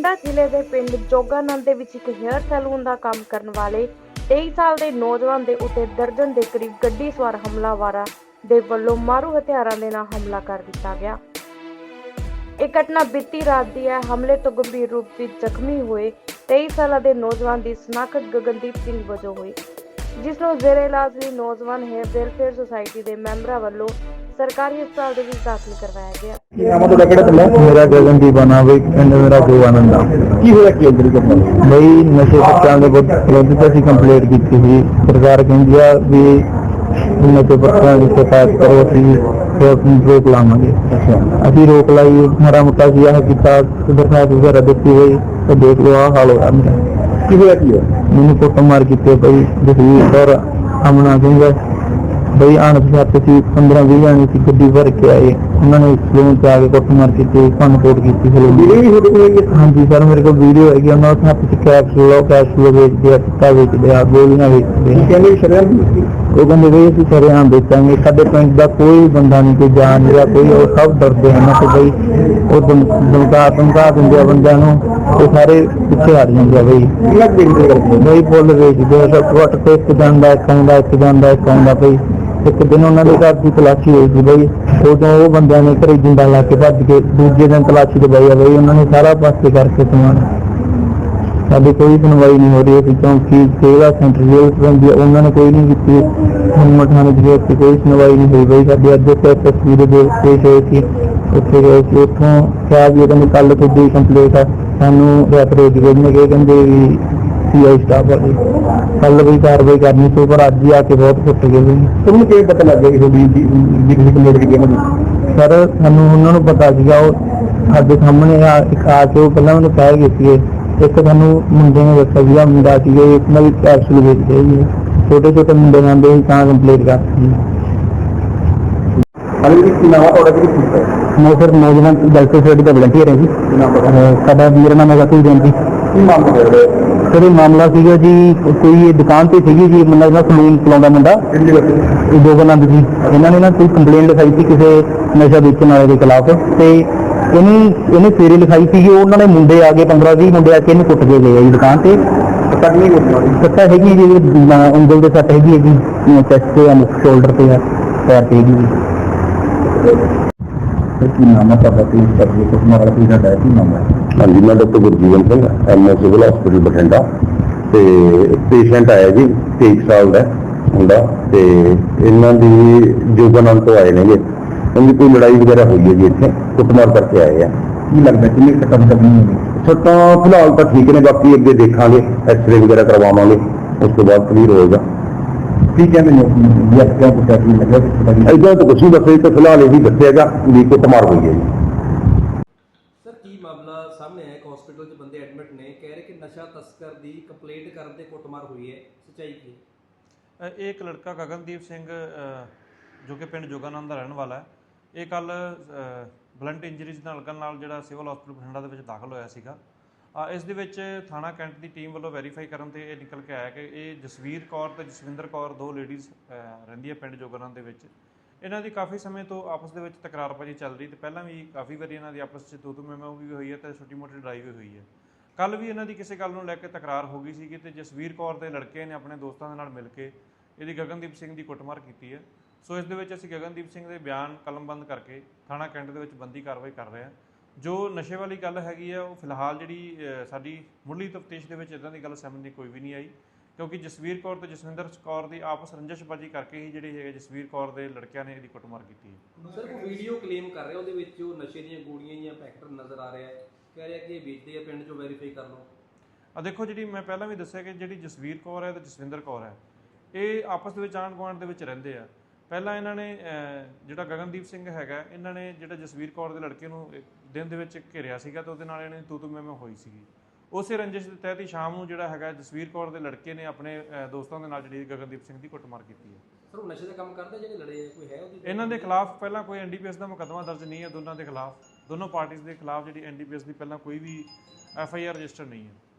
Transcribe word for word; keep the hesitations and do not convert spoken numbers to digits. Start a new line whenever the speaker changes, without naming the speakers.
ਬਠਿੰਡਾ ਜ਼ਿਲ੍ਹੇ ਦੇ ਪਿੰਡ ਜੋਗਾਨੰਦ ਦੇ ਵਿੱਚ ਇੱਕ ਹੇਅਰ ਸੈਲੂਨ ਦਾ ਕੰਮ ਕਰਨ ਵਾਲੇ ਤੇਈ ਸਾਲ ਦੇ ਨੌਜਵਾਨ ਦੇ ਉੱਤੇ ਦਰਜਨ ਦੇ ਕਰੀਬ ਗੱਡੀ ਸਵਾਰ ਹਮਲਾਵਰਾਂ ਦੇ ਵੱਲੋਂ ਮਾਰੂ ਹਥਿਆਰਾਂ ਦੇ ਨਾਲ ਹਮਲਾ ਕਰ ਦਿੱਤਾ ਗਿਆ। ਇਹ ਘਟਨਾ ਬੀਤੀ ਰਾਤ ਦੀ ਹੈ। ਹਮਲੇ ਤੋਂ ਗੰਭੀਰ ਰੂਪ ਵਿੱਚ ਜ਼ਖਮੀ ਹੋਏ ਤੇਈ ਸਾਲਾਂ ਦੇ ਨੌਜਵਾਨ ਦੀ ਸ਼ਨਾਖਤ ਗਗਨਦੀਪ ਸਿੰਘ ਵਜੋਂ ਹੋਈ, ਜਿਸ ਨੂੰ ਜ਼ੇਰੇ ਇਲਾਜ ਲਈ ਨੌਜਵਾਨ ਹੇਅਰ ਵੈਲਫੇਅਰ ਸੁਸਾਇਟੀ ਦੇ ਮੈਂਬਰਾਂ ਵੱਲੋਂ ਸਰਕਾਰੀ ਹਸਪਤਾਲ ਦੇ ਵਿੱਚ ਦਾਖਲ ਕਰਵਾਇਆ ਗਿਆ।
मेरा गगनदीप आना भाई पिंड मेरा गोवानंदा की होया की अंदर करना भाई नशे पत्तियां दे विरुद्ध ਅਸੀਂ ਕੰਪਲੇਂਟ ਕੀਤੀ ਸੀ। ਸਰਕਾਰ ਕਹਿੰਦੀ ਆ ਵੀ ਨਸ਼ੇ ਪੱਤਿਆਂ ਦੀ ਸ਼ਿਕਾਇਤ ਕਰੋ, ਅਸੀਂ ਰੋਕ ਲਾਵਾਂਗੇ। ਅਸੀਂ ਰੋਕ ਲਾਈ, ਮਾੜਾ ਮੋਟਾ ਸੀ ਆਹ ਕੀਤਾ, ਦਰਖਾਸਤ ਵਗੈਰਾ ਦਿੱਤੀ ਹੋਈ ਤੇ ਦੇਖ ਲਓ ਆਹ ਹਾਲ ਹੋਇਆ ਮੇਰਾ। ਕੀ ਹੋਇਆ ਕੀ ਮੈਨੂੰ ਕੁੱਟ ਮਾਰ ਕੀਤੀ ਭਾਈ ਜਸਵੀਰ ਔਰ ਅਮਨਾ ਸਿੰਘ ਬਈ ਅਣਪਛਾਤੇ ਸੀ। ਪੰਦਰਾਂ ਵੀਹ ਜਾਣੇ ਸੀ, ਗੱਡੀ ਭਰ ਕੇ ਆਏ। ਉਹਨਾਂ ਨੇ ਸਲੂਨ ਚ ਆ ਕੇ ਕੁੱਟਮਾਰ ਕੀਤੀ, ਭੰਨ ਤੋੜ ਕੀਤੀ। ਹਾਂਜੀ ਸਰ, ਮੇਰੇ ਕੋਲ ਵੀਡੀਓ ਹੈਗੀ। ਉਹਨਾਂ ਦੇ ਹੱਥ ਚ ਕੈਪਸੂਲ ਕੈਪਸੂਲ ਵੇਚਦੇ ਆ, ਟਿੱਕਾ ਵੇਚਦੇ ਆ, ਗੋਲੀਆਂ ਵੇਚਦੇ ਆ। ਉਹ ਕਹਿੰਦੇ ਬਈ ਅਸੀਂ ਸ਼ਰੇਆਮ ਵੇਚਾਂਗੇ। ਸਾਡੇ ਪਿੰਡ ਦਾ ਕੋਈ ਬੰਦਾ ਨਹੀਂ, ਕੋਈ ਜਾਣ ਨਹੀਂ ਰਿਹਾ, ਕੋਈ ਉਹ ਸਭ ਡਰਦੇ ਹਨ ਕਿ ਬਈ ਉਹ ਧਮਕਾ ਧਮਕਾ ਦਿੰਦੇ ਆ ਬੰਦਿਆਂ ਨੂੰ, ਉਹ ਸਾਰੇ ਪਿੱਛੇ ਹਟ ਜਾਂਦੇ ਆ। ਬਈ ਬਈ ਫੁੱਲ ਵੇਚਦੇ ਆ, ਸਭ ਵੱਟ ਤੇ ਇੱਕ ਜਾਂਦਾ ਇੱਕ ਆਉਂਦਾ ਇੱਕ ਜਾਂਦਾ ਇੱਕ ਆਉਂਦਾ। ਬਈ ਇੱਕ ਦਿਨ ਉਹਨਾਂ ਦੇ ਘਰ ਦੀ ਤਲਾਸ਼ੀ ਹੋਈ ਸੀ ਬਈ, ਉਦੋਂ ਉਹ ਬੰਦਿਆਂ ਨੇ ਘਰੇ ਜਿੰਦਾ ਲਾ ਕੇ ਭੱਜ ਕੇ ਦੂਜੇ ਦਿਨ ਤਲਾਸ਼ੀ ਦਵਾਈ ਆ ਬਈ। ਉਹਨਾਂ ਨੇ ਸਾਰਾ ਪਾਸੇ ਕਰਕੇ ਸਮਾਨ, ਸਾਡੀ ਕੋਈ ਸੁਣਵਾਈ ਨਹੀਂ ਹੋ ਰਹੀ। ਅਸੀਂ ਚੌਂਕੀ ਸੇਵਾ ਸੈਂਟਰ ਜੇਲ੍ਹ ਪੈਂਦੀ ਉਹਨਾਂ ਨੇ ਕੋਈ ਨਹੀਂ ਕੀਤੀ। ਹਿੰਮਤ ਥਾਣੇ ਦੀ ਕੋਈ ਸੁਣਵਾਈ ਨਹੀਂ ਹੋਈ ਬਈ। ਸਾਡੀ ਅੱਜ ਤਸਵੀਰ ਦੇ ਪੇਸ਼ ਹੋਈ ਸੀ, ਉੱਥੇ ਗਏ ਸੀ। ਉੱਥੋਂ ਕਿਹਾ ਵੀ ਉਹਨੇ ਕੱਲ੍ਹ ਤੁਹਾਡੀ ਕੰਪਲੇਂਟ ਆ, ਸਾਨੂੰ ਰੈਫਰੇਜ ਨੇ ਕਿ ਕਹਿੰਦੇ ਵੀ ਸੀ ਆਈ ਸਟਾਫ ਵਾਲੇ ਕੱਲ ਵੀ ਕਾਰਵਾਈ ਕਰਨੀ ਸੀ, ਪਰ ਅੱਜ ਹੀ ਆ ਕੇ ਬਹੁਤ ਫੁੱਟ ਗਏ ਬਈ। ਤੁਹਾਨੂੰ ਕਿਵੇਂ ਪਤਾ ਲੱਗ ਗਿਆ ਕਿ ਤੁਹਾਡੀ ਜਿਹੜੀ ਕੰਪਲੇਂਟ ਕੀਤੀ ਉਹਨਾਂ ਨੇ? ਸਰ ਸਾਨੂੰ ਉਹਨਾਂ ਨੂੰ ਪਤਾ ਸੀਗਾ, ਉਹ ਸਾਡੇ ਸਾਹਮਣੇ ਆ ਇੱਕ ਆ ਕੇ ਉਹ ਪਹਿਲਾਂ ਮੈਨੂੰ ਕਹਿ ਗਏ ਸੀਗੇ। ਇੱਕ ਸਾਨੂੰ ਮੁੰਡੇ ਨੇ ਦੱਸਿਆ ਸੀਗਾ, ਮੁੰਡਾ ਸੀਗਾ ਇੱਕ ਨਾਲ ਕੈਪਸੂਲ ਵੇਚਦੇ ਸੀ, ਛੋਟੇ ਛੋਟੇ ਮੁੰਡੇ ਜਾਂਦੇ ਸੀ, ਤਾਂ ਕੰਪਲੇਂਟ ਕਰਤੀ। ਮੈਂ ਸਰ ਨੌਜਵਾਨ ਵੈਲਫੇਅਰ ਸੁਸਾਇਟੀ ਦਾ ਵਲੰਟੀਅਰ ਹੈ ਜੀ। ਸਾਡਾ ਮੇਰਾ ਨਾਮ ਹੈਗਾ ਤੂੰ ਜੈਂਤੀ। ਸਰ ਇਹ ਮਾਮਲਾ ਸੀਗਾ ਜੀ, ਕੋਈ ਦੁਕਾਨ ਤੇ ਸੀਗੀ ਜੀ, ਮੁੰਡਾ ਜਿਹੜਾ ਸਲੂਨ ਚਲਾਉਂਦਾ ਮੁੰਡਾ ਜੋਗਾਨੰਦ ਜੀ। ਇਹਨਾਂ ਨੇ ਨਾ ਕੋਈ ਕੰਪਲੇਂਟ ਲਿਖਾਈ ਸੀ ਕਿਸੇ ਨਸ਼ਾ ਵੇਚਣ ਵਾਲੇ ਦੇ ਖਿਲਾਫ, ਤੇ ਇਹਨੂੰ ਇਹਨੇ ਫੇਰੇ ਲਿਖਾਈ ਸੀ। ਉਹਨਾਂ ਨੇ ਮੁੰਡੇ ਆ ਗਏ, ਪੰਦਰਾਂ ਵੀਹ ਮੁੰਡੇ ਆ ਕੇ ਇਹਨੂੰ ਕੁੱਟ ਕੇ ਗਏ ਆ ਜੀ ਦੁਕਾਨ ਤੇ। ਸੱਟਾਂ ਹੈਗੀ ਜੀ, ਉਂਗਲ ਦੇ ਸੱਟ ਹੈਗੀ ਹੈ ਜੀ, ਚੈਸਟ ਤੇ ਆ, ਸ਼ੋਲਡਰ ਤੇ ਆ, ਪੈਰ ਤੇ ਹੈਗੀ ਜੀ। ਕੀ ਨਾਮ ਹੈ ਤੁਹਾਡਾ? ਪਲੀਜ਼ ਕਰੀਏ ਕੁਝ ਮਾਰਾ ਕੀ ਸਾਡਾ ਕੀ ਨਾਮ ਹੈ?
ਹਾਂਜੀ, ਮੈਂ doctor Gurjeevan Singh, M O civil hospital Bathinda. ਤੇ ਪੇਸ਼ੈਂਟ ਆਇਆ ਜੀ, ਤੇਈ ਸਾਲ ਦਾ ਮੁੰਡਾ, ਤੇ ਇਹਨਾਂ ਦੀ ਜੋਗਾਨੰਦ ਤੋਂ ਆਏ ਨੇਗੇ। ਉਹਦੀ ਕੋਈ ਲੜਾਈ ਵਗੈਰਾ ਹੋਈ ਹੈ ਜੀ, ਇੱਥੇ ਕੁੱਟਮਾਰ ਕਰਕੇ ਆਏ ਆ।
ਕੀ ਲੱਗਦਾ ਕਿੰਨੀ ਸੱਟਾਂ ਕਰਨੀ ਹੋਣੀ?
ਸੱਟਾਂ ਫਿਲਹਾਲ ਤਾਂ ਠੀਕ ਨੇ, ਬਾਕੀ ਅੱਗੇ ਦੇਖਾਂਗੇ, ਐਕਸਰੇ ਵਗੈਰਾ ਕਰਵਾਵਾਂਗੇ, ਉਸ ਤੋਂ ਬਾਅਦ ਕਲੀਅਰ ਹੋਏਗਾ।
ਕੀ ਕਹਿੰਦੇ ਨੇ ਕਿਉਂ ਪੁੱਛਿਆ ਕੀ ਲੱਗਿਆ?
ਇੱਦਾਂ ਤਾਂ ਕੁਛ ਨਹੀਂ ਦੱਸਿਆ, ਤਾਂ ਫਿਲਹਾਲ ਇਹੀ ਦੱਸਿਆਗਾ ਵੀ ਕੁੱਟਮਾਰ ਹੋਈ ਹੈ ਜੀ।
ਸਰ ਕੀ ਮਾਮਲਾ ਸਾਹਮਣੇ ਆਇਆ? ਇੱਕ ਹਸਪੀਟਲ 'ਚ ਬੰਦੇ ਐਡਮਿਟ ਨੇ, ਕਹਿ ਰਹੇ ਕਿ ਨਸ਼ਾ ਤਸਕਰ ਦੀ ਕੰਪਲੇਂਟ ਕਰਨ ਤੇ ਕੁੱਟਮਾਰ ਹੋਈ ਹੈ, ਸੱਚਾਈ ਕੀ ਹੈ?
ਇਹ ਇੱਕ ਲੜਕਾ ਗਗਨਦੀਪ ਸਿੰਘ ਜੋ ਕਿ ਪਿੰਡ ਜੋਗਾਨੰਦ ਦਾ ਰਹਿਣ ਵਾਲਾ ਹੈ, ਇਹ ਕੱਲ ਬਲੰਟ ਇੰਜਰੀਜ਼ ਨਾਲ ਲੱਗਣ ਨਾਲ ਜਿਹੜਾ ਸਿਵਲ ਹਸਪੀਟਲ ਬਠਿੰਡਾ ਦੇ ਵਿੱਚ ਦਾਖਲ ਹੋਇਆ ਸੀਗਾ। ਇਸ ਦੇ ਵਿੱਚ ਥਾਣਾ ਕੈਂਟ ਦੀ ਟੀਮ ਵੱਲੋਂ ਵੈਰੀਫਾਈ ਕਰਨ ਤੇ ਇਹ ਨਿਕਲ ਕੇ ਆਇਆ ਕਿ ਇਹ ਜਸਵੀਰ ਕੌਰ ਤੇ ਜਸਵਿੰਦਰ ਕੌਰ ਦੋ ਲੇਡੀਜ਼ ਰਹਿੰਦੀਆਂ ਪਿੰਡ ਜੋਗਾਨੰਦ ਦੇ ਵਿੱਚ। ਇਹਨਾਂ ਦੀ ਕਾਫੀ ਸਮੇਂ ਤੋਂ ਆਪਸ ਦੇ ਵਿੱਚ ਤਕਰਾਰਬਾਜ਼ੀ ਚੱਲ ਰਹੀ, ਤੇ ਪਹਿਲਾਂ ਵੀ ਕਾਫੀ ਵਾਰੀ ਇਹਨਾਂ ਦੀ ਆਪਸ 'ਚ ਦੋ ਦੋ ਮੈਮੋ ਵੀ ਹੋਈ ਹੈ ਤੇ ਛੋਟੀ ਮੋਟੀ ਲੜਾਈ ਵੀ ਹੋਈ ਹੈ। ਕੱਲ੍ਹ ਵੀ ਇਹਨਾਂ ਦੀ ਕਿਸੇ ਗੱਲ ਨੂੰ ਲੈ ਕੇ ਤਕਰਾਰ ਹੋ ਗਈ ਸੀਗੀ, ਤੇ ਜਸਵੀਰ ਕੌਰ ਦੇ ਲੜਕੇ ਨੇ ਆਪਣੇ ਦੋਸਤਾਂ ਦੇ ਨਾਲ ਮਿਲ ਕੇ ਇਹਦੀ ਗਗਨਦੀਪ ਸਿੰਘ ਦੀ ਕੁੱਟਮਾਰ ਕੀਤੀ ਹੈ। ਸੋ ਇਸ ਦੇ ਵਿੱਚ ਅਸੀਂ ਗਗਨਦੀਪ ਸਿੰਘ ਦੇ ਬਿਆਨ ਕਲਮਬੰਦ ਕਰਕੇ ਥਾਣਾ ਕੈਂਟ ਦੇ ਵਿੱਚ ਬੰਦੀ ਕਾਰਵਾਈ ਕਰ ਰਹੇ ਹਾਂ। ਜੋ ਨਸ਼ੇ ਵਾਲੀ ਗੱਲ ਹੈਗੀ ਆ, ਉਹ ਫਿਲਹਾਲ ਜਿਹੜੀ ਸਾਡੀ ਮੁੱਢਲੀ ਤਫਤੀਸ਼ ਦੇ ਵਿੱਚ ਇੱਦਾਂ ਦੀ ਗੱਲ ਸਾਹਮਣੇ ਕੋਈ ਵੀ ਨਹੀਂ ਆਈ, ਕਿਉਂਕਿ ਜਸਵੀਰ ਕੌਰ ਤੇ ਜਸਵਿੰਦਰ ਕੌਰ ਦੀ ਆਪਸ ਰੰਜਿਸ਼ਬਾਜ਼ੀ ਕਰਕੇ ਹੀ ਜਿਹੜੀ ਹੈਗੇ ਜਸਵੀਰ ਕੌਰ ਦੇ ਲੜਕਿਆਂ ਨੇ ਇਹਦੀ ਕੁੱਟਮਾਰ ਕੀਤੀ ਹੈ।
ਸਰ ਕੋਈ ਵੀਡੀਓ ਕਲੇਮ ਕਰ ਰਿਹਾ, ਉਹਦੇ ਵਿੱਚ ਉਹ ਨਸ਼ੇ ਦੀਆਂ ਗੋਲੀਆਂ ਜਾਂ ਪੈਕਟ ਨਜ਼ਰ ਆ ਰਿਹਾ, ਕਹਿ ਰਿਹਾ ਕਿ ਇਹ ਵੇਚਦੇ ਆ, ਪਿੰਡ 'ਚੋਂ ਵੈਰੀਫਾਈ ਕਰ ਲਓ।
ਆ ਦੇਖੋ, ਜਿਹੜੀ ਮੈਂ ਪਹਿਲਾਂ ਵੀ ਦੱਸਿਆ ਕਿ ਜਿਹੜੀ ਜਸਵੀਰ ਕੌਰ ਹੈ ਤੇ ਜਸਵਿੰਦਰ ਕੌਰ ਹੈ, ਇਹ ਆਪਸ ਦੇ ਵਿੱਚ ਆਂਢ ਗੁਆਂਢ ਦੇ ਵਿੱਚ ਰਹਿੰਦੇ ਆ। ਪਹਿਲਾਂ ਇਹਨਾਂ ਨੇ ਜਿਹੜਾ ਗਗਨਦੀਪ ਸਿੰਘ ਹੈਗਾ, ਇਹਨਾਂ ਨੇ ਜਿਹੜਾ ਜਸਵੀਰ ਕੌਰ ਦੇ ਲੜਕੇ ਨੂੰ ਦਿਨ ਦੇ ਵਿੱਚ ਘੇਰਿਆ ਸੀਗਾ, ਤੇ ਉਹਦੇ ਨਾਲ ਇਹਨਾਂ ਦੀ ਤੂ ਤੂ ਮੈਂ ਮੈਂ ਹੋਈ ਸੀਗੀ। ਉਸੇ ਰੰਜਿਸ਼ ਦੇ ਤਹਿਤ ਹੀ ਸ਼ਾਮ ਨੂੰ ਜਿਹੜਾ ਹੈਗਾ ਜਸਵੀਰ ਕੌਰ ਦੇ ਲੜਕੇ ਨੇ ਆਪਣੇ ਦੋਸਤਾਂ ਦੇ ਨਾਲ ਜਿਹੜੀ ਗਗਨਦੀਪ ਸਿੰਘ ਦੀ ਕੁੱਟਮਾਰ ਕੀਤੀ ਹੈ।
ਸਰ ਉਹ ਨਸ਼ੇ ਦਾ ਕੰਮ ਕਰਦੇ ਜਿਹੜੇ ਲੜੇ, ਕੋਈ ਹੈ ਉਹਦੀ?
ਇਹਨਾਂ ਦੇ ਖਿਲਾਫ ਪਹਿਲਾਂ ਕੋਈ ਐਨ ਡੀ ਪੀ ਐਸ ਦਾ ਮੁਕੱਦਮਾ ਦਰਜ ਨਹੀਂ ਹੈ। ਦੋਨਾਂ ਦੇ ਖਿਲਾਫ, ਦੋਨੋਂ ਪਾਰਟੀਆਂ ਦੇ ਖਿਲਾਫ ਜਿਹੜੀ ਐਨ ਡੀ ਪੀ ਐਸ ਦੀ ਪਹਿਲਾਂ ਕੋਈ ਵੀ ਐਫ ਆਈ ਆਰ ਰਜਿਸਟਰ ਨਹੀਂ ਹੈ।